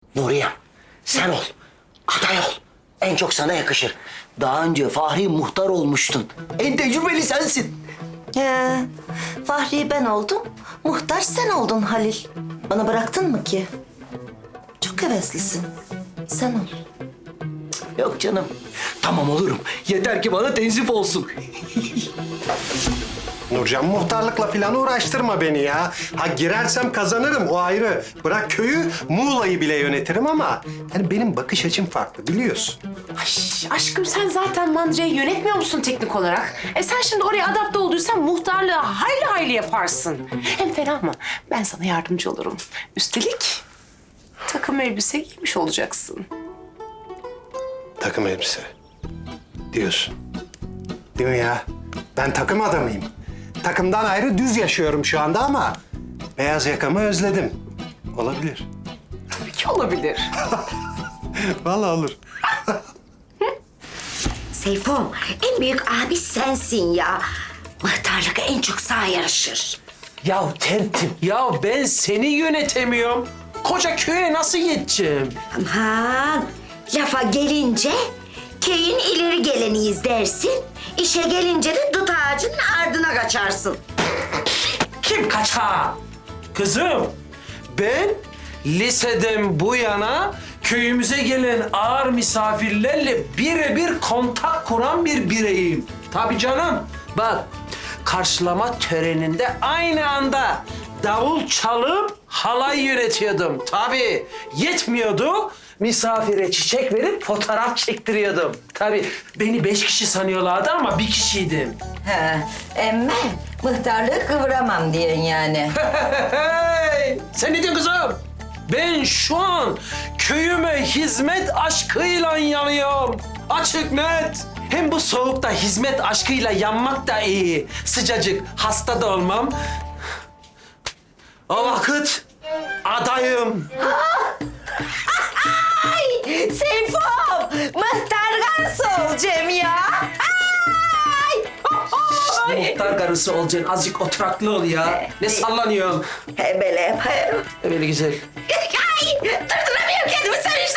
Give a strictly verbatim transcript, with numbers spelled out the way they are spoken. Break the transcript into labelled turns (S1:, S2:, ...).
S1: Nuriyem, sen ol. Aday ol. En çok sana yakışır. Daha önce Fahri muhtar olmuştun. En tecrübeli sensin.
S2: He, Fahri ben oldum, muhtar sen oldun Halil. Bana bıraktın mı ki? Çok heveslisin. Sen ol.
S1: Yok canım. Tamam olurum. Yeter ki bana tenzif olsun.
S3: Nurcan, muhtarlıkla falan uğraştırma beni ya. Ha girersem kazanırım, o ayrı. Bırak köyü, Muğla'yı bile yönetirim ama... yani benim bakış açım farklı, biliyorsun.
S4: Ay aşkım sen zaten mandırayı yönetmiyor musun teknik olarak? E sen şimdi oraya adapte olduysan muhtarlığı hayli hayli yaparsın. Hem fena mı? Ben sana yardımcı olurum. Üstelik takım elbise giymiş olacaksın.
S3: Takım elbise. Diyorsun. Değil mi ya? Ben takım adamıyım. Takımdan ayrı düz yaşıyorum şu anda ama... beyaz yakamı özledim. Olabilir.
S4: Tabii ki olabilir.
S3: Vallahi olur.
S5: Seyfom, en büyük abi sensin ya. Muhtarlık en çok sana yarışır.
S6: Ya tertip, ya ben seni yönetemiyorum. Koca köye nasıl yeteceğim?
S5: Aman, lafa gelince köyün ileri geleniyiz dersin. İşe gelince de dut ağacının ardına kaçarsın.
S6: Kim kaçar? Kızım, ben liseden bu yana köyümüze gelen ağır misafirlerle birebir kontak kuran bir bireyim. Tabii canım. Bak, karşılama töreninde aynı anda davul çalıp halay yönetiyordum. Tabii yetmiyordu. Misafire çiçek verip fotoğraf çektiriyordum. Tabii beni beş kişi sanıyorlardı ama bir kişiydim.
S2: He, emme muhtarlığı kıvıramam diyorsun yani.
S6: Hey! Sen ne diyorsun kızım? Ben şu an köyüme hizmet aşkıyla yanıyorum. Açık net. Hem bu soğukta hizmet aşkıyla yanmak da iyi. Sıcacık, hasta da olmam. O vakit adayım.
S2: Ay Seyfom, muhtar karısı olacağım ya. Ay!
S6: Muhtar karısı olacaksın. Azıcık oturaklı ol ya. Ne sallanıyorsun?
S2: He böyle yaparım.
S6: Böyle güzel.
S2: Ay, durduramıyorum kendimi sevinçten.